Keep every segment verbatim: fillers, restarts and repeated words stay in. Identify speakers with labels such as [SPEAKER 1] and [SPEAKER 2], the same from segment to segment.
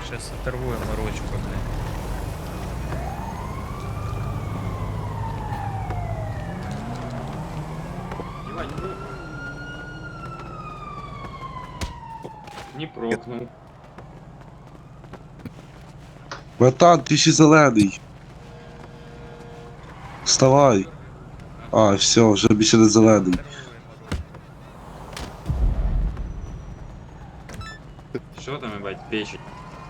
[SPEAKER 1] Сейчас оторвуем ручку, блин.
[SPEAKER 2] Ебать, ну... Не прокнул.
[SPEAKER 3] Братан, ти ще зелений. Вставай. А, все, вже більше не зелений.
[SPEAKER 1] Оторвуємо ручку.
[SPEAKER 2] Що там, ебать, печень?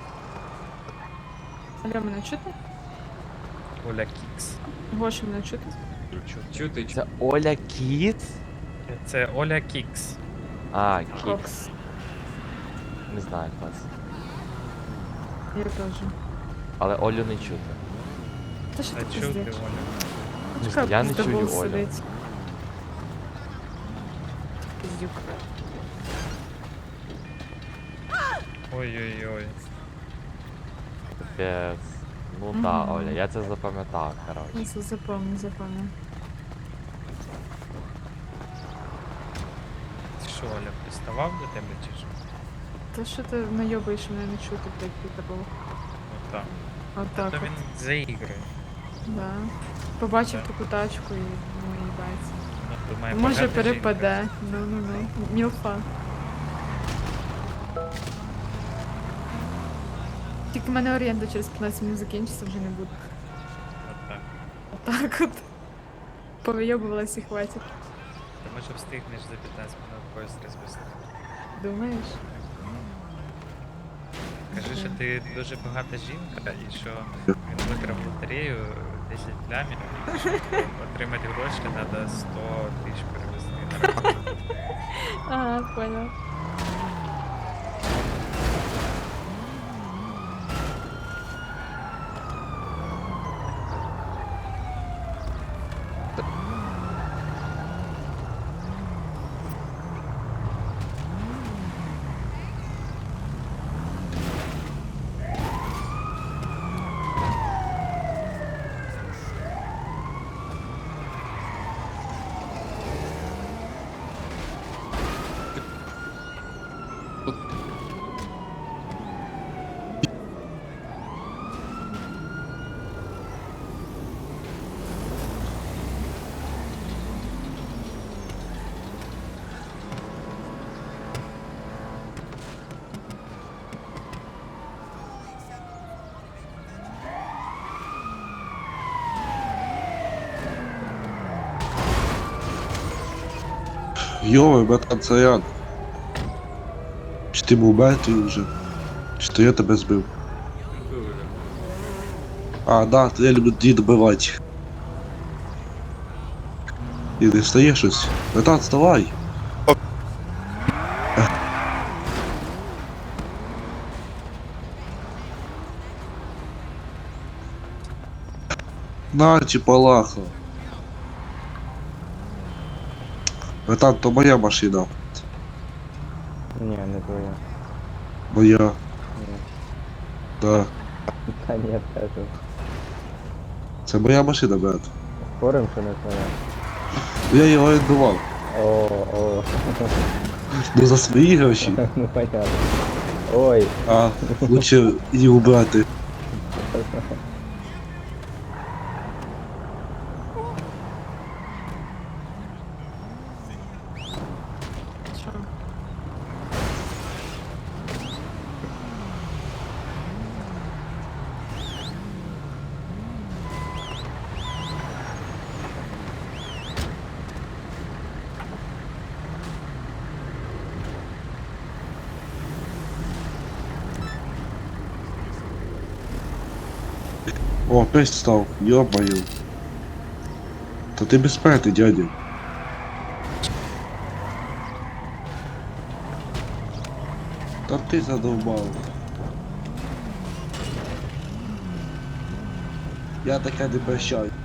[SPEAKER 4] Алло, мене чути?
[SPEAKER 1] Оля Кікс.
[SPEAKER 4] Гоша, мене чути?
[SPEAKER 1] Чу-
[SPEAKER 2] Чё ты, чё?
[SPEAKER 5] Це Оля Кіт?
[SPEAKER 1] Це Оля Кікс.
[SPEAKER 5] А, Кікс.
[SPEAKER 4] Кокс.
[SPEAKER 5] Не знаю клас.
[SPEAKER 4] Я теж.
[SPEAKER 5] Але Олю не чути.
[SPEAKER 4] Та що
[SPEAKER 1] А
[SPEAKER 4] ти
[SPEAKER 1] чув ти,
[SPEAKER 4] пиздиш?
[SPEAKER 1] Оля?
[SPEAKER 5] Не знаю, я не чую Олю.
[SPEAKER 4] сидить. Пиздюк.
[SPEAKER 1] Ой-ой-ой.
[SPEAKER 5] Капець. Ну да,
[SPEAKER 4] Мгм.
[SPEAKER 5] Оля, я це запам'ятав, коротше.
[SPEAKER 4] Ну, це запомни, запомни.
[SPEAKER 1] Ти що, Оля, приставав до тебе чи що?
[SPEAKER 4] Та що ти найобаєш мене не чути, блядь, піта був.
[SPEAKER 1] Отак.
[SPEAKER 4] Отак
[SPEAKER 1] Та
[SPEAKER 4] от.
[SPEAKER 1] він заігрує.
[SPEAKER 4] Да. Побачив
[SPEAKER 1] Да.
[SPEAKER 4] таку тачку і ну їбається.
[SPEAKER 1] Ну, думає,
[SPEAKER 4] Може
[SPEAKER 1] багата
[SPEAKER 4] перепаде. Ну ну ну. Мілфа. Тільки в мене оренда через п'ятнадцять минут закінчиться, вже не буде.
[SPEAKER 1] жінка. Отак.
[SPEAKER 4] Так от. Повийобувалась і хватить.
[SPEAKER 1] Ти може встигнеш за п'ятнадцять минут поїзд розвести.
[SPEAKER 4] Думаєш?
[SPEAKER 1] Кажи, що ти дуже багата жінка і що він виграв лотерею десять лямів, і щоб отримати гроші треба сто тисяч перевести на рахунок.
[SPEAKER 4] Ага, понял.
[SPEAKER 3] Йой, братан, це я. Чи ти був мертвий вже? Чи то я тебе збив?
[SPEAKER 2] Был уже.
[SPEAKER 3] А, да, то я люблю її добивати. І не встає щось. Братан, вставай. На, чіпалаха. Братан, то моя машина.
[SPEAKER 6] Ні, не твоя.
[SPEAKER 3] Моя.
[SPEAKER 6] Ні.
[SPEAKER 3] Да.
[SPEAKER 6] Та ні, теж.
[SPEAKER 3] Це моя машина, брат.
[SPEAKER 6] Спорим, що не твоя.
[SPEAKER 3] Я її орендував.
[SPEAKER 6] О, о.
[SPEAKER 3] Ну за свої гроші.
[SPEAKER 6] Ну понятно. Ой,
[SPEAKER 3] А, лучше її убрати.
[SPEAKER 4] Що?
[SPEAKER 3] О, опять встал. Ё-моё. То ты беспечный, дядя. Да ты задолбал. Я таке не прощаю.